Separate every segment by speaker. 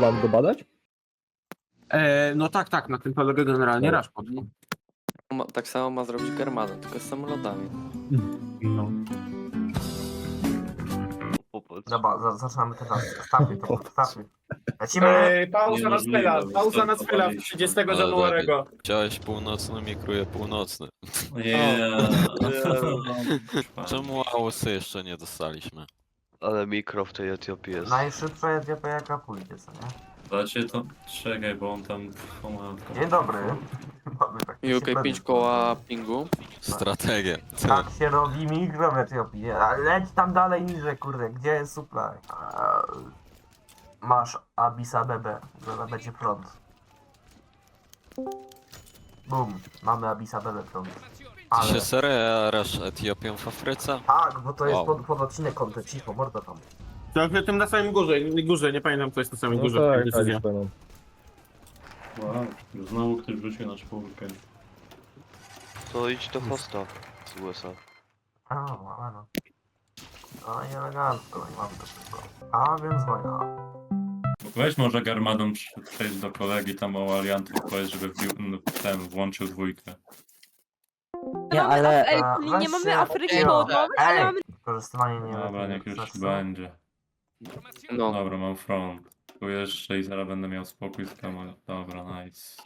Speaker 1: mam go badać?
Speaker 2: No tak, na tym polega generalnie
Speaker 1: No.
Speaker 2: Rashford.
Speaker 3: Tak samo ma zrobić Germadan, tylko z samolotami.
Speaker 2: No.
Speaker 4: Dobra, zaczynamy teraz. Startuj. Lecimy!
Speaker 5: Pauza na spela, pauza na spela 30 Januarego.
Speaker 6: Chciałeś północny, mikruję północny. Czemu AOS jeszcze nie dostaliśmy?
Speaker 7: Ale mikro w tej Etiopii jest.
Speaker 4: Najszybsza Etiopia jaka pójdzie, co nie?
Speaker 5: Dacie to? Czekaj, bo on tam...
Speaker 4: Dzień dobry. Mamy taki
Speaker 3: UK 5 koła pingu.
Speaker 6: Strategię.
Speaker 4: Tak się robi mikro w Etiopii. Leć tam dalej niżej, kurde. Gdzie jest supply? Masz Addis Abebę. Zaraz będzie front. Bum. Mamy Addis Abebę front.
Speaker 6: Ty się serio Etiopią w Afryce?
Speaker 4: Tak, bo to jest
Speaker 6: Wow.
Speaker 4: pod odcinek kontent. Cicho, mordo tam.
Speaker 2: To w tym na samym górze, nie pamiętam co jest na samej
Speaker 1: No
Speaker 2: górze.
Speaker 1: tak,
Speaker 2: decyzja.
Speaker 1: tak, pamiętam.
Speaker 5: Wow, znowu ktoś wrócił na czwórkę.
Speaker 7: To idź do hosta z USA.
Speaker 4: No. No i elegancko, i mamy to wszystko. A więc wojna.
Speaker 5: Weź może Garmadon przejść do kolegi tam o Aliantów, powiedz, żeby włączył dwójkę.
Speaker 8: Nie, ale...
Speaker 4: weź
Speaker 8: Nie mamy
Speaker 4: się-
Speaker 8: Afryki
Speaker 4: Ej,
Speaker 8: Południowej, ale
Speaker 4: ej,
Speaker 8: mamy...
Speaker 4: Wykorzystywanie nie
Speaker 5: Dobra, niech już
Speaker 4: znaczy,
Speaker 5: będzie.
Speaker 3: No.
Speaker 5: Dobra, mam front. Tu jeszcze i zaraz będę miał spokój z kamerą. Dobra, nice.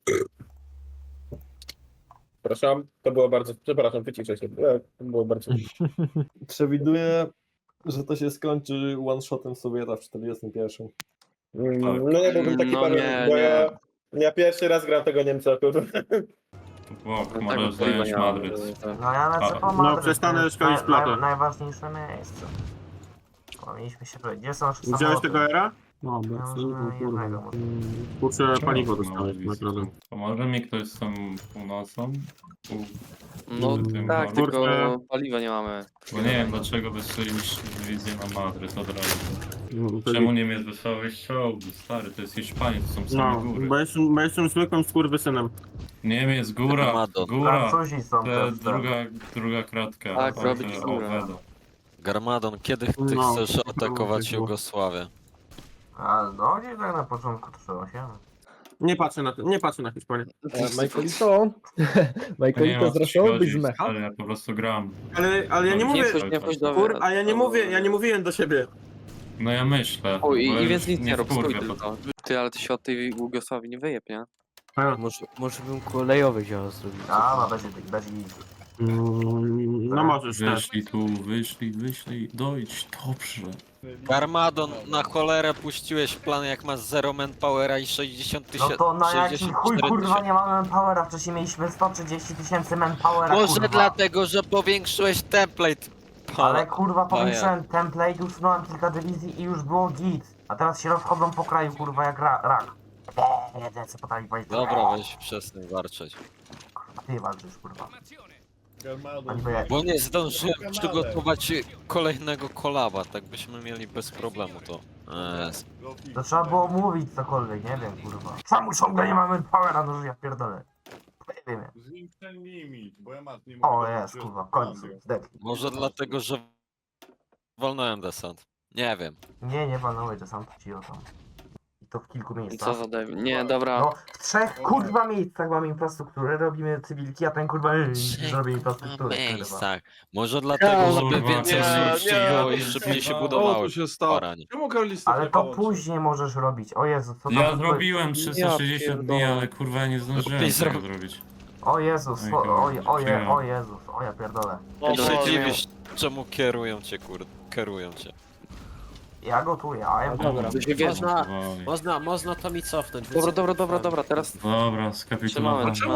Speaker 2: Przepraszam, to było bardzo... Przepraszam, wyciszę się. To było bardzo...
Speaker 1: Przewiduję, że to się skończy one-shotem Sowieta w 41.
Speaker 2: No nie byłbym taki
Speaker 3: No
Speaker 2: pan,
Speaker 3: nie,
Speaker 2: bo
Speaker 3: nie.
Speaker 2: ja pierwszy raz gram tego Niemca, kurwa.
Speaker 5: O,
Speaker 3: Tak,
Speaker 5: możesz zająć Madryt.
Speaker 4: No ja lecę po
Speaker 5: No,
Speaker 4: Madryt,
Speaker 2: przestanę
Speaker 4: to jest
Speaker 2: szkolić flotę.
Speaker 4: najważniejsze miejsce. Powinniśmy się powiedzieć. Gdzie są nasze
Speaker 2: Wziąłeś
Speaker 4: samoloty?
Speaker 2: tego era? No,
Speaker 4: jednego.
Speaker 2: kurczę, paliwo dostałeś, naprawdę.
Speaker 5: Pomoże mi ktoś z tą północą?
Speaker 3: No
Speaker 5: Tym
Speaker 3: tak,
Speaker 5: mam.
Speaker 3: tylko
Speaker 2: Kurczę.
Speaker 3: paliwa nie mamy.
Speaker 5: Bo nie wiem dlaczego wysłaliś dywizję na Madryt od razu.
Speaker 2: No,
Speaker 5: Czemu Niemiec wysłałeś czołgi? Stary, to jest Hiszpania, to są same
Speaker 2: No,
Speaker 5: góry.
Speaker 2: bo jestem zwykłym skurwysynem.
Speaker 5: Niemiec, góra,
Speaker 6: Garmadon.
Speaker 5: góra.
Speaker 4: Francuzi są
Speaker 5: To
Speaker 4: też.
Speaker 5: druga kratka.
Speaker 3: Tak,
Speaker 5: od,
Speaker 3: robić górę.
Speaker 5: Oweda.
Speaker 6: Garmadon, kiedy ty
Speaker 2: No,
Speaker 6: chcesz
Speaker 2: to
Speaker 6: atakować
Speaker 2: było.
Speaker 6: Jugosławię?
Speaker 4: A no nie tak na początku to 8.
Speaker 2: Nie patrzę na Hiszpanię.
Speaker 1: Michaelito?
Speaker 5: Nie
Speaker 1: Michaelito
Speaker 5: wiem,
Speaker 1: zraszowyś z mecha?
Speaker 5: ale ja po prostu gram.
Speaker 2: Ale ja nie mówię...
Speaker 3: Nie wchodź do...
Speaker 2: A ja nie mówiłem do siebie.
Speaker 5: No ja myślę.
Speaker 3: O,
Speaker 5: bo
Speaker 3: i więc nic
Speaker 5: nie
Speaker 3: nie rób, stój
Speaker 5: wkurwię
Speaker 3: tylko. Ty, ale ty się od tej Jugosławii nie wyjeb, nie?
Speaker 9: Może bym kolejowy wziął zrobić.
Speaker 4: A, będzie
Speaker 2: No możesz, tak.
Speaker 5: Wyszli, dojdź, dobrze.
Speaker 6: Garmadon, na cholerę puściłeś plan jak masz 0 manpowera i 60
Speaker 4: No
Speaker 6: tysięcy...
Speaker 4: to na jaki chuj
Speaker 6: 64
Speaker 4: kurwa nie mamy manpowera, wcześniej mieliśmy 130 000 manpowera,
Speaker 6: Może
Speaker 4: kurwa.
Speaker 6: dlatego, że powiększyłeś template.
Speaker 4: Ale kurwa
Speaker 6: Baja.
Speaker 4: powiększyłem template, usunąłem kilka dywizji i już było git. A teraz się rozchodzą po kraju kurwa jak rak. Jeden co potrafi powiedzieć.
Speaker 6: Dobra, weź przestań warczeć.
Speaker 4: Kurwa, ty walczysz kurwa. Ani bo ja...
Speaker 6: Bo nie zdążyłem przygotować kolejnego kolaba, tak byśmy mieli bez problemu to.
Speaker 4: To trzeba było mówić cokolwiek, nie wiem kurwa. Czemu ciągle nie mamy powera, no że ja pierdolę. Nie wiem.
Speaker 5: Zwiększaj limit, bo ja nie
Speaker 4: O jest kurwa, w końcu. Zdechli.
Speaker 6: Może dlatego, że walnąłem desant. Nie wiem.
Speaker 4: Nie panowie, to sam ci o tam. I to w kilku
Speaker 3: Co
Speaker 4: miejscach.
Speaker 3: za debil. Nie, dobra.
Speaker 4: No, w 3 kurwa miejscach mamy infrastrukturę, robimy cywilki, a ten kurwa zrobi infrastrukturę. kurwa.
Speaker 6: miejscach. Może dlatego, żeby więcej surowców było i szybciej się budowało. Baranie.
Speaker 4: Ale to później możesz robić. O Jezu, co tam
Speaker 5: Ja
Speaker 4: tu-
Speaker 5: zrobiłem 360 dni,
Speaker 3: pierdolę.
Speaker 5: ale kurwa nie zdążyłem
Speaker 6: Lepiej
Speaker 5: tego
Speaker 6: zrób.
Speaker 5: zrobić.
Speaker 4: O Jezus, o Jezus, o ja pierdolę.
Speaker 6: I się dziwisz, czemu kierują cię.
Speaker 4: Ja gotuję, a ja
Speaker 1: Dobra.
Speaker 3: To się wiesz.
Speaker 9: Można to mi cofnąć.
Speaker 3: Dobra, teraz
Speaker 5: Dobra, skapitulowałem.
Speaker 3: Trzymamy,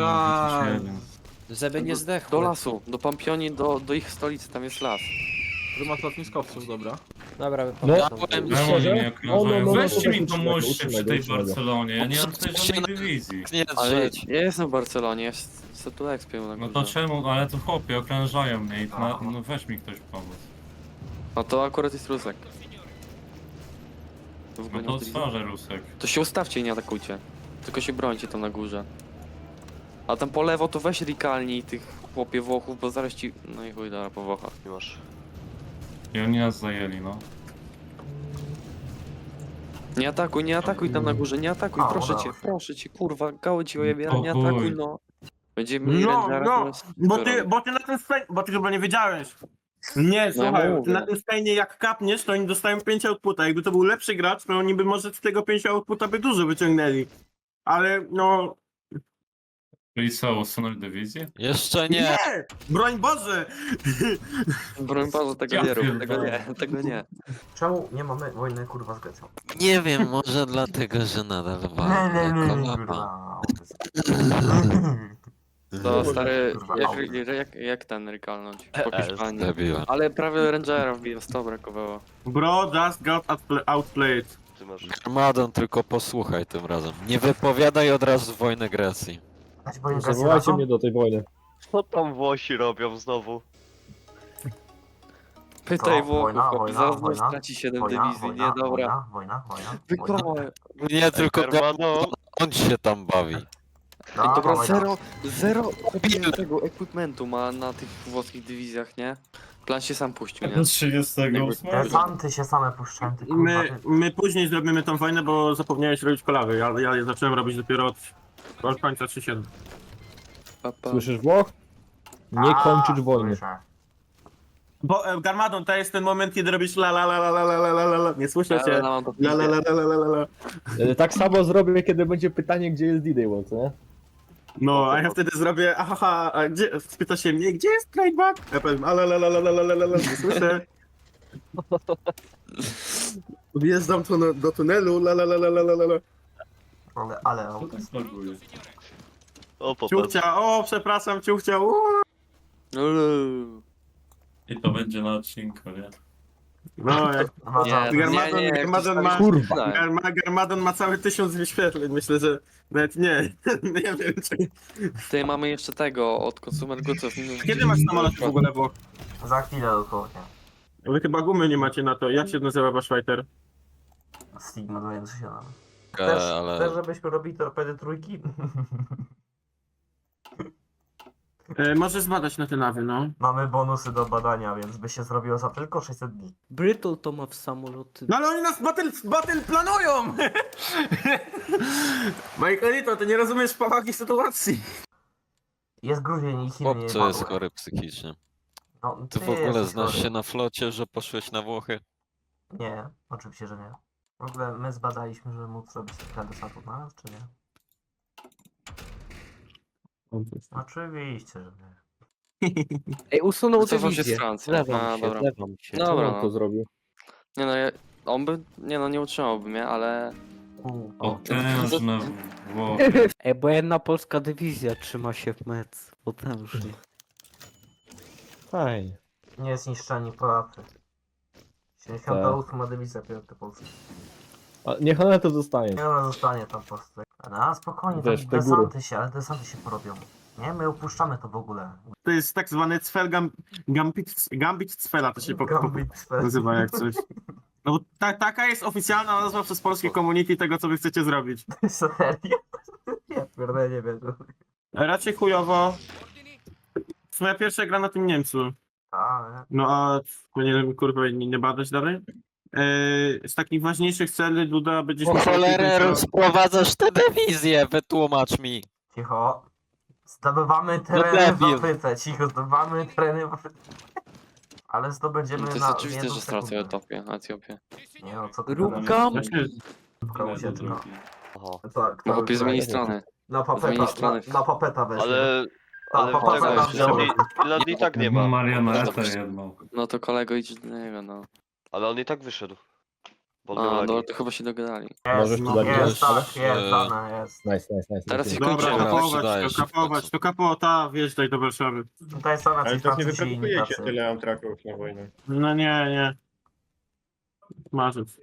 Speaker 9: Żeby nie zdechł.
Speaker 3: do lasu, do Pampioni, do ich stolicy, tam jest las.
Speaker 1: Prymat lotniskowców, dobra.
Speaker 9: Dobra,
Speaker 1: No.
Speaker 6: Ja powiem
Speaker 5: Czemu
Speaker 6: ci,
Speaker 5: oni mnie okrążają?
Speaker 1: no,
Speaker 5: Weźcie mi
Speaker 1: uczciwego,
Speaker 5: pomóżcie przy tej
Speaker 1: uczciwego.
Speaker 5: Barcelonie, ja nie mam tutaj żadnej dywizji.
Speaker 6: nie
Speaker 3: Ale
Speaker 6: drzeć.
Speaker 3: ja jestem w Barcelonie, ja se tu ekspię na
Speaker 5: No to
Speaker 3: górze.
Speaker 5: czemu, ale to chłopie, okrążają mnie i no weź mi ktoś pomóc.
Speaker 3: No to akurat jest Rusek. W
Speaker 5: No
Speaker 3: ogóle
Speaker 5: to
Speaker 3: nie widzę.
Speaker 5: otworzę Rusek.
Speaker 3: To się ustawcie i nie atakujcie. Tylko się brońcie tam na górze. A tam po lewo to weź rikalnij tych chłopie Włochów, bo zaraz ci... No i chuj, dobra, po Włochach.
Speaker 7: Nie masz.
Speaker 5: I oni nas zajęli, no.
Speaker 3: Nie atakuj tam na górze, nie atakuj,
Speaker 4: A,
Speaker 3: proszę cię, kurwa, gało ci ojebiera, nie
Speaker 5: O chuj.
Speaker 3: atakuj, no. Będziemy mieli
Speaker 2: No,
Speaker 3: Rangera,
Speaker 2: no,
Speaker 3: to jest
Speaker 2: bo
Speaker 3: super.
Speaker 2: ty na tym Spain, bo ty chyba nie wiedziałeś. Nie,
Speaker 3: No ja
Speaker 2: słuchaj, ty
Speaker 3: mówię.
Speaker 2: na tym Spainie jak kapniesz, to oni dostają 5 outputa. Jakby to był lepszy gracz, to oni by może z tego 5 outputa by dużo wyciągnęli. Ale no...
Speaker 5: Czyli co, usunąć dywizję?
Speaker 6: Jeszcze nie!
Speaker 2: Nie! Broń Boże!
Speaker 3: Broń Boże, tego
Speaker 5: Ja
Speaker 3: nie rób,
Speaker 5: pierdolę.
Speaker 3: tego nie.
Speaker 4: Czemu nie mamy wojny kurwa z Grecją?
Speaker 6: Nie wiem, może dlatego, że nadal walę kolaba.
Speaker 4: kurwa.
Speaker 3: To stary,
Speaker 4: Kurwa,
Speaker 3: jak ten rykalnąć po Hiszpanii.
Speaker 6: Debiła.
Speaker 3: Ale prawie Rangera wbiłem, 100 brakowało.
Speaker 2: Bro, just got outplayed.
Speaker 7: Ty masz.
Speaker 6: Armadon, tylko posłuchaj tym razem. Nie wypowiadaj od razu wojny Grecji.
Speaker 4: Dać wojnę Grecji
Speaker 1: Zawołajcie
Speaker 4: razem?
Speaker 1: mnie do tej wojny.
Speaker 7: Co tam Włosi robią znowu?
Speaker 3: Pytaj
Speaker 4: Co?
Speaker 3: Włochów,
Speaker 4: Wojna,
Speaker 3: chłopie,
Speaker 4: wojna,
Speaker 3: zaraz
Speaker 4: wojna,
Speaker 3: straci 7
Speaker 4: Wojna,
Speaker 3: dywizji,
Speaker 4: wojna,
Speaker 3: nie, dobra.
Speaker 4: wojna.
Speaker 3: Wygrała.
Speaker 6: Nie, tylko
Speaker 7: Germano,
Speaker 6: on się tam bawi.
Speaker 3: Dobra,
Speaker 4: wojna.
Speaker 3: zero kupiłem tego equipmentu ma na tych włoskich dywizjach, nie? Plan się sam puścił, nie?
Speaker 5: 38.
Speaker 4: Desanty się same puszczają, ty kurwa.
Speaker 2: My później zrobimy tą wojnę, bo zapomniałeś robić kolawy. Ja je zacząłem robić dopiero od końca 3.7.
Speaker 3: Pa, pa.
Speaker 1: Słyszysz, Włoch? Nie kończyć wojny.
Speaker 4: Słyszę.
Speaker 2: Bo Garmadon, to jest ten moment, kiedy robisz la la la la la la la la la la. Nie słyszę
Speaker 3: Ale
Speaker 2: cię.
Speaker 3: mam to
Speaker 2: La la la la la la la.
Speaker 1: Tak samo zrobię, kiedy będzie pytanie, gdzie jest D-Day One, co nie?
Speaker 2: No, a ja wtedy zrobię, aha, a gdzie, spyta się mnie, gdzie jest tradeback? Ja powiem, a la la la la la la la la la, nie słyszę. Wjeżdżam tu do tunelu, la la la la la la la la.
Speaker 4: Ale
Speaker 7: o popatrz.
Speaker 2: Ciuchcia, o przepraszam, ciuchcia,
Speaker 5: I to będzie na odcinku, nie?
Speaker 2: No, jak Garmadon ma...
Speaker 1: Kurwa.
Speaker 2: Garmadon ma cały 1000 wyświetleń, myślę, że nawet nie, nie wiem czy...
Speaker 3: Tutaj mamy jeszcze tego od Consumer Goodsów.
Speaker 2: Kiedy masz samolot w ogóle, bo
Speaker 4: za chwilę dosłownie.
Speaker 2: wy chyba gumy nie macie na to, jak się nazywa wasz fighter?
Speaker 4: Stigma 27.
Speaker 6: Ale
Speaker 4: Chcesz, żebyśmy robili torpedy trójki?
Speaker 2: Możesz zbadać na te nawy, no.
Speaker 4: Mamy bonusy do badania, więc by się zrobiło za tylko 600 dni.
Speaker 9: Brytol to ma w samoloty.
Speaker 2: No ale oni nas battle planują! Michaelito, ty nie rozumiesz powagi sytuacji.
Speaker 4: Jest Gruzień i Chiny nie
Speaker 6: chłopco jest
Speaker 4: padły.
Speaker 6: chory psychicznie.
Speaker 4: No,
Speaker 6: Ty w ogóle
Speaker 4: jesteś
Speaker 6: znasz
Speaker 4: chory.
Speaker 6: się na flocie, że poszłeś na Włochy?
Speaker 4: Nie, oczywiście, że nie. W ogóle my zbadaliśmy, żeby móc robić kilka desantów na nas, czy nie? Oczywiście, że nie.
Speaker 9: Ej, usunął
Speaker 3: Cofam się z
Speaker 9: dywizję.
Speaker 3: Francji.
Speaker 9: Zlewam
Speaker 3: A,
Speaker 9: się,
Speaker 3: dobra.
Speaker 9: zlewam się.
Speaker 3: No.
Speaker 1: Czemu
Speaker 3: Dobra,
Speaker 1: on
Speaker 3: no.
Speaker 1: to zrobił?
Speaker 3: Nie no, on by, nie utrzymałby mnie, ale...
Speaker 5: Potężne Włochy.
Speaker 9: Ej, bo jedna polska dywizja trzyma się w mec. Potężnie.
Speaker 1: Fajnie.
Speaker 4: Nie zniszczeni Polacy. 78 dywizja piąty Polski.
Speaker 1: A niech ona to zostanie.
Speaker 4: Nie, ona zostanie tam po prostu. No spokojnie,
Speaker 1: Wiesz,
Speaker 4: tam
Speaker 1: te góry.
Speaker 4: desanty się porobią. Nie, my opuszczamy to w ogóle.
Speaker 2: To jest tak zwany Cfel Gambit Cfela, to się
Speaker 4: Gambit
Speaker 2: nazywa jak coś. No bo taka jest oficjalna nazwa przez polskie community tego, co wy chcecie zrobić.
Speaker 4: Serio? Ja pierdolę, nie wiem.
Speaker 2: Raczej chujowo. Moja pierwsza gra na tym Niemcu.
Speaker 4: A,
Speaker 2: No a powinienem kurwa nie badać dalej. Z takich ważniejszych celi Duda będzie
Speaker 6: Po cholerę rozprowadzasz tę dywizję, wytłumacz mi.
Speaker 4: cicho. Zdobywamy tereny w
Speaker 6: debil.
Speaker 4: Afryce, cicho, zdobywamy tereny w Afryce. Ale zdobędziemy
Speaker 3: To jest
Speaker 4: na
Speaker 3: oczywiste,
Speaker 4: jedną
Speaker 3: że stracę
Speaker 4: sekundę.
Speaker 3: Etiopię.
Speaker 4: Nie no, co ty
Speaker 9: Rubka?
Speaker 4: gadasz?
Speaker 2: Właśnie,
Speaker 4: Rubka ucieczka.
Speaker 7: Aha.
Speaker 4: Tak,
Speaker 3: No chłopie, zmieni
Speaker 4: tak.
Speaker 3: strony.
Speaker 4: Na papeta,
Speaker 3: zmieni strony.
Speaker 4: na papeta weź.
Speaker 7: Ale
Speaker 4: Ale
Speaker 7: w tego
Speaker 4: tam
Speaker 7: Finlandii i tak nie ma.
Speaker 5: Marionetę jedną.
Speaker 3: No to kolego idź do niego, no.
Speaker 7: Ale on i tak wyszedł. Bo
Speaker 3: A,
Speaker 7: miał
Speaker 3: no
Speaker 7: lagi.
Speaker 3: to chyba się dogadali.
Speaker 1: Możesz
Speaker 4: Jest,
Speaker 1: tu dać
Speaker 4: jest,
Speaker 1: gdzieś,
Speaker 4: tak,
Speaker 1: ale?
Speaker 4: jest, dane, jest.
Speaker 1: Nice.
Speaker 3: Teraz
Speaker 1: nice.
Speaker 3: się
Speaker 2: Dobra,
Speaker 3: kończymy.
Speaker 2: kapować, to kapota, wjeżdżaj do Warszawy.
Speaker 4: Tutaj są jacyś Francuzi i inni tacy.
Speaker 2: amtraków na wojnę. No nie. Marzec.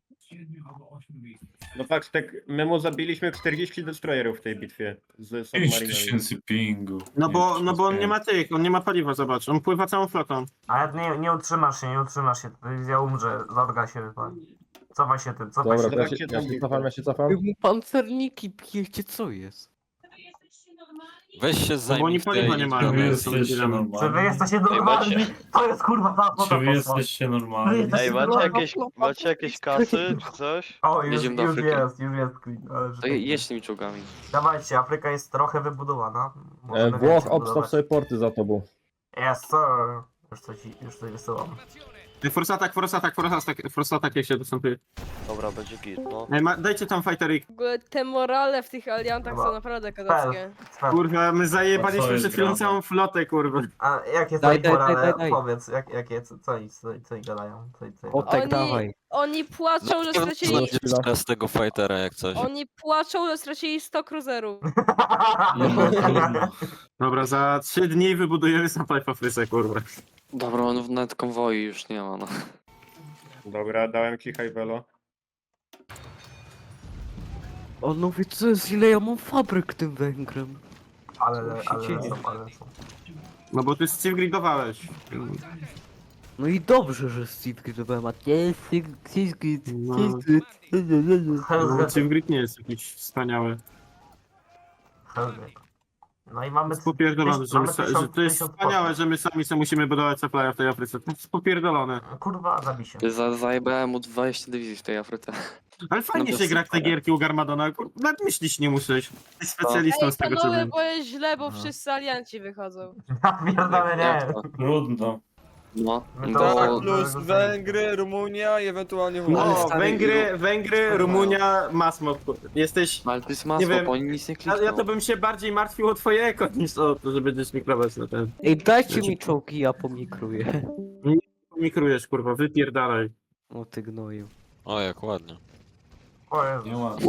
Speaker 10: No fakt, tak, my mu zabiliśmy 40 destroyerów w tej bitwie z
Speaker 5: 5000 pingu.
Speaker 2: No bo on nie ma tych, on nie ma paliwa, zobacz, on pływa całą flotą.
Speaker 4: Ale nie utrzymasz się, dywizja umrze, zorga się wypali. Cofaj się tym, cofaj
Speaker 1: Dobra,
Speaker 4: się.
Speaker 1: ja się cofam.
Speaker 9: Wy mu pancerniki pijecie, co jest?
Speaker 6: Weź się
Speaker 2: bo
Speaker 6: zajmij
Speaker 2: oni paliwa nie mają.
Speaker 5: Czy wy
Speaker 2: więc są
Speaker 5: jesteście
Speaker 2: debilami.
Speaker 4: Czy wy
Speaker 5: normalni?
Speaker 4: jesteście normalni? To jest kurwa ta
Speaker 5: Czy
Speaker 4: flota
Speaker 5: wy
Speaker 4: poszła.
Speaker 5: jesteście normalni?
Speaker 7: Ej, macie jakieś kasy czy coś?
Speaker 4: O, już
Speaker 3: Jedziemy do
Speaker 4: już
Speaker 3: Afryki.
Speaker 4: jest ale że
Speaker 3: To
Speaker 4: tak jest.
Speaker 3: jedź tymi czołgami.
Speaker 4: Dawajcie, Afryka jest trochę wybudowana. Możemy
Speaker 1: Włoch,
Speaker 4: więcej
Speaker 1: obstaw
Speaker 4: budować.
Speaker 1: sobie porty za tobą.
Speaker 4: Yes, sir. Już coś wysyłam.
Speaker 2: Force attack jak się dostępuje.
Speaker 7: Dobra, będzie git, no.
Speaker 2: Ej, dajcie tam fighterik.
Speaker 11: W ogóle te morale w tych aliantach
Speaker 4: Dobra.
Speaker 11: są naprawdę kadackie.
Speaker 4: Spell.
Speaker 2: Kurwa, my
Speaker 5: A co
Speaker 2: zajebaliśmy
Speaker 5: jest
Speaker 2: przed chwilą
Speaker 5: grane?
Speaker 2: całą flotę, kurwa.
Speaker 4: A jakie
Speaker 9: Daj,
Speaker 4: są
Speaker 9: daj,
Speaker 4: morale?
Speaker 9: daj, daj.
Speaker 4: Powiedz, jakie, co ich gadają?
Speaker 9: Otek
Speaker 11: Oni-
Speaker 9: dawaj.
Speaker 11: Oni płaczą, że stracili...
Speaker 6: z tego fightera jak coś.
Speaker 11: Oni płaczą, że stracili 100 cruiserów.
Speaker 5: No, trudno.
Speaker 2: Dobra, za 3 dni wybudujemy supply w Afryce, kurwa.
Speaker 3: Dobra, on nawet konwoi już nie ma, no.
Speaker 10: Dobra, dałem ci high velo.
Speaker 9: On mówi, co jest, ile ja mam fabryk tym Węgrem.
Speaker 4: ale
Speaker 9: dzieje?
Speaker 4: są.
Speaker 2: No bo ty Steve gridowałeś.
Speaker 9: No i dobrze, że Steve gridowałem, a nie
Speaker 2: No. No, Steve grid nie jest jakiś wspaniały.
Speaker 4: No i mamy...
Speaker 2: To jest popierdolone, że,
Speaker 4: mamy
Speaker 2: że to jest
Speaker 4: 1000
Speaker 2: wspaniałe, że my sami sobie musimy budować supply w tej Afryce. To jest popierdolone.
Speaker 4: Kurwa, zabij się.
Speaker 3: Zajebałem mu 20 dywizji w tej Afryce.
Speaker 2: Ale fajnie
Speaker 3: No
Speaker 2: się
Speaker 3: bez
Speaker 2: gra w te
Speaker 3: supera.
Speaker 2: gierki u Garmadona. Nawet myślić nie muszę. Jesteś specjalistą
Speaker 11: Ej,
Speaker 2: z tego, co
Speaker 11: panowie,
Speaker 2: wiem.
Speaker 11: bo jest źle, bo wszyscy alianci wychodzą.
Speaker 4: Napierdolę,
Speaker 3: Jak
Speaker 4: nie.
Speaker 3: to?
Speaker 5: Trudno.
Speaker 3: No,
Speaker 4: My to-
Speaker 3: to...
Speaker 4: Tak, plus Węgry,
Speaker 12: Rumunia i ewentualnie
Speaker 2: No, Węgry, Rumunia, Masmok. Jesteś...
Speaker 3: Ale to jest
Speaker 2: Nie
Speaker 3: masło,
Speaker 2: wiem,
Speaker 3: bo oni nic nie
Speaker 2: Ja
Speaker 3: klikną.
Speaker 2: to bym się bardziej martwił o twoje eko niż o to, że będziesz mikrować na ten.
Speaker 9: Ej, dajcie mi czołgi, ja pomikruję.
Speaker 2: Mikrujesz, kurwa, wypierdalaj.
Speaker 9: O ty gnoju.
Speaker 6: O, jak ładnie.
Speaker 4: O Jezu.
Speaker 5: Nie ma.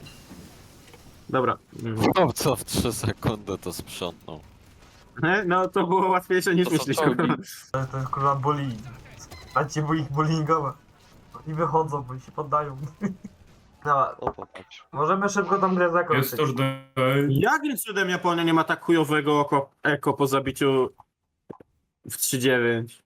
Speaker 2: Dobra.
Speaker 6: No co w 3 sekundy to sprzątnął.
Speaker 2: No to było łatwiejsze niż
Speaker 3: To są
Speaker 2: myśleliśmy.
Speaker 3: czołgi.
Speaker 4: To jest kurwa bullying. Dajcie mu ich bullyingowe. Oni wychodzą, bo się poddają. Dobra,
Speaker 7: O, popatrz.
Speaker 4: możemy szybko tą grę zakończyć.
Speaker 5: Jest to, że...
Speaker 2: Jakim cudem Japonia nie ma tak chujowego eko po zabiciu w 3-9?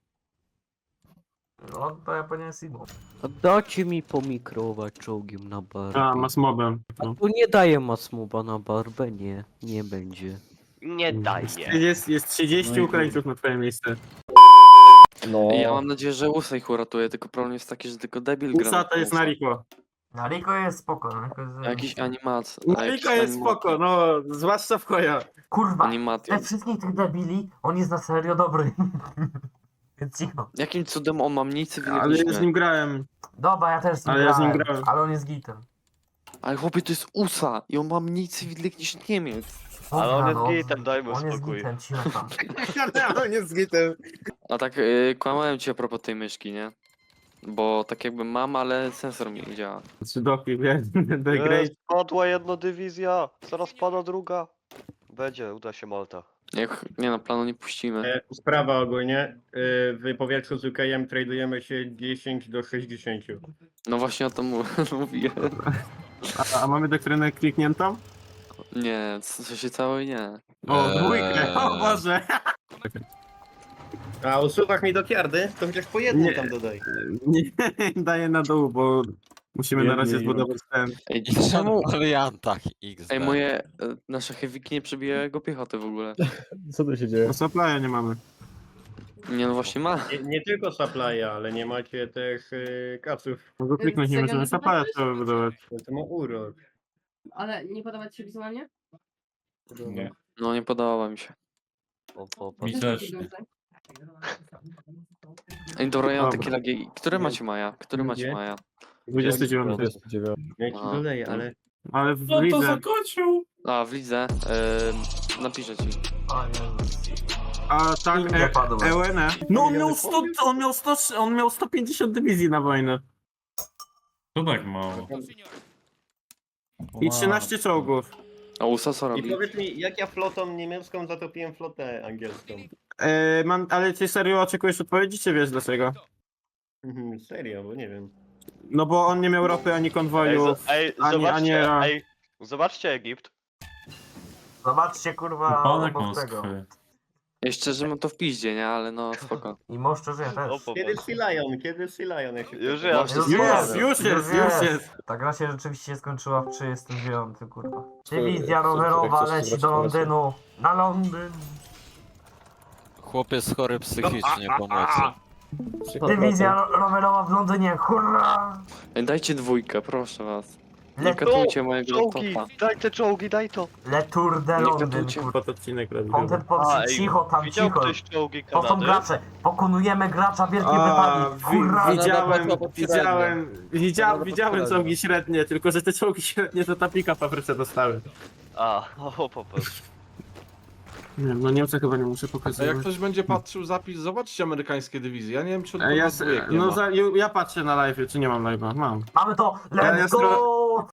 Speaker 4: No, to Japonia jest inną.
Speaker 9: A dajcie mi pomikrować czołgiem na barbę.
Speaker 2: A, masmobem. No.
Speaker 9: Tu nie daję masmuba na barbę, nie. Nie będzie.
Speaker 7: Nie daje.
Speaker 2: Jest 30
Speaker 5: No i
Speaker 2: Ukraińców na twoje miejsce.
Speaker 1: No.
Speaker 3: Ja mam nadzieję, że USA ich uratuje, tylko problem jest taki, że tylko debil gra.
Speaker 2: USA to jest Nariko.
Speaker 4: Nariko jest spoko. Nariko jest...
Speaker 3: Jakiś animat.
Speaker 2: Nariko jest spoko, no, zwłaszcza w koja.
Speaker 4: Kurwa,
Speaker 3: Animation.
Speaker 4: ze wszystkich tych debili, on jest na serio dobry. Więc cicho.
Speaker 3: Jakim cudem on ma mniej cywilnych
Speaker 2: Ale
Speaker 3: niż
Speaker 2: ja z
Speaker 3: my?
Speaker 2: nim grałem.
Speaker 4: Dobra, ja też z nim
Speaker 2: Ale ja z nim
Speaker 4: grałem,
Speaker 2: grałem.
Speaker 4: ale on jest gitem.
Speaker 3: Ale chłopie, to jest USA i on ma mniej cywilnych niż Niemiec.
Speaker 7: Ale on
Speaker 4: Dobra,
Speaker 7: jest gitem, dajmy
Speaker 4: On jest
Speaker 7: spokój.
Speaker 4: gitem, cicho tam.
Speaker 2: Ja nie z gitem.
Speaker 3: A tak, kłamałem ci a propos tej myszki, nie? Bo tak jakby mam, ale sensor mi nie działa.
Speaker 2: Czy doki, The Great.
Speaker 7: Spadła jedna dywizja, zaraz spada druga. Będzie, uda się Malta.
Speaker 3: Nie no, planu nie puścimy.
Speaker 10: Sprawa ogólnie. W powietrzu z UKM tradujemy się 10 do 60.
Speaker 3: No właśnie o tym mówiłem.
Speaker 2: A mamy doktrynę klikniętą?
Speaker 3: Nie, co się całe nie.
Speaker 2: O, dwójkę, o Boże.
Speaker 10: A usuwasz mi do kiardy? To chociaż po jednym
Speaker 2: Nie.
Speaker 10: tam dodaj.
Speaker 2: Nie, daję na dół, bo musimy na razie
Speaker 1: Biedny
Speaker 2: zbudować ten.
Speaker 3: Ej,
Speaker 6: I
Speaker 3: czemu?
Speaker 6: w aliantach XD.
Speaker 3: Ej, nasze heavyki nie przebijają jego piechoty w ogóle.
Speaker 1: Co tu się dzieje?
Speaker 2: No supply'a nie mamy.
Speaker 3: Nie no właśnie ma.
Speaker 10: Nie tylko supply'a, ale nie macie też kaców.
Speaker 2: Mogę kliknąć, nie możemy supply'a trzeba wybudować.
Speaker 10: To ma urok.
Speaker 11: Ale nie podobać się wizualnie?
Speaker 5: Nie.
Speaker 3: No nie podoba mi się.
Speaker 7: O, popatrz.
Speaker 5: Mi też nie.
Speaker 3: Ej, dobra, ja mam takie
Speaker 2: Dobra.
Speaker 3: lagi. Które macie Maja? Które macie
Speaker 10: Gdzie?
Speaker 3: Maja?
Speaker 2: 29.
Speaker 1: 29.
Speaker 10: Ja ci
Speaker 3: Aha.
Speaker 10: doleję, ale...
Speaker 2: Ale w
Speaker 5: No to
Speaker 2: lidze.
Speaker 5: zakończył!
Speaker 3: A, w lidze. Napiszę ci.
Speaker 4: O Jezus.
Speaker 2: A tak,
Speaker 4: Nie padło.
Speaker 2: EUN. No on miał 150 dywizji na wojnę.
Speaker 5: To tak mało.
Speaker 2: I 13 czołgów.
Speaker 3: A USA co
Speaker 10: I
Speaker 3: robi?
Speaker 10: powiedz mi, jak ja flotą niemiecką zatopiłem flotę angielską?
Speaker 2: Ale ty serio oczekujesz odpowiedzi, czy wiesz dlaczego?
Speaker 10: Serio, bo nie wiem.
Speaker 2: No bo on nie miał ropy ani konwoju.
Speaker 7: Ej, zobaczcie Egipt.
Speaker 4: Zobaczcie kurwa
Speaker 5: Panek
Speaker 4: obok tego.
Speaker 5: Moskwy.
Speaker 3: Ja szczerze mam to w piździe, nie? Ale no spoko.
Speaker 4: I może żyje
Speaker 7: O,
Speaker 4: też.
Speaker 7: popatrz.
Speaker 10: Kiedy Sea Lion? Kiedy Sea Lion? Jak się
Speaker 7: Już
Speaker 10: pyta?
Speaker 7: jest.
Speaker 2: Już jest.
Speaker 4: Ta gra się rzeczywiście skończyła w 39, kurwa.
Speaker 1: Który-
Speaker 4: Dywizja
Speaker 1: który
Speaker 4: rowerowa
Speaker 1: chcesz
Speaker 4: leci
Speaker 1: zobaczyć
Speaker 4: do
Speaker 1: na razie?
Speaker 4: Londynu. Na Londyn.
Speaker 6: Chłopiec chory psychicznie, pomocy.
Speaker 4: Dywizja rowerowa w Londynie, hurra!
Speaker 3: Ej, dajcie dwójkę, proszę was. Nie
Speaker 4: Le,
Speaker 3: katujcie mojego
Speaker 7: Czołgi!
Speaker 3: laptopa.
Speaker 7: Daj te czołgi, daj to!
Speaker 4: Le Tour de
Speaker 3: Nie
Speaker 4: Londyn,
Speaker 3: katujcie.
Speaker 4: kurwa.
Speaker 2: Pod odcinek robię.
Speaker 4: Content pod... cicho tam,
Speaker 7: widział
Speaker 4: cicho.
Speaker 7: ktoś czołgi
Speaker 4: To są
Speaker 7: Kanady?
Speaker 4: gracze. Pokonujemy gracza Wielkiej Brytanii. Hurra!
Speaker 2: Widziałem czołgi średnie, tylko że te czołgi średnie to ta pika papryce dostały.
Speaker 7: A, o, popatrz.
Speaker 2: Nie wiem, no Niemcy chyba nie muszę
Speaker 12: A
Speaker 2: pokazać.
Speaker 12: jak ktoś będzie patrzył zapis, zobaczcie amerykańskie dywizje. Ja nie wiem, czy
Speaker 2: Ja,
Speaker 12: dwójek nie ma.
Speaker 2: ja patrzę na live, czy nie mam live'a? Mam.
Speaker 4: Mamy to!
Speaker 2: Ja
Speaker 4: Let's go!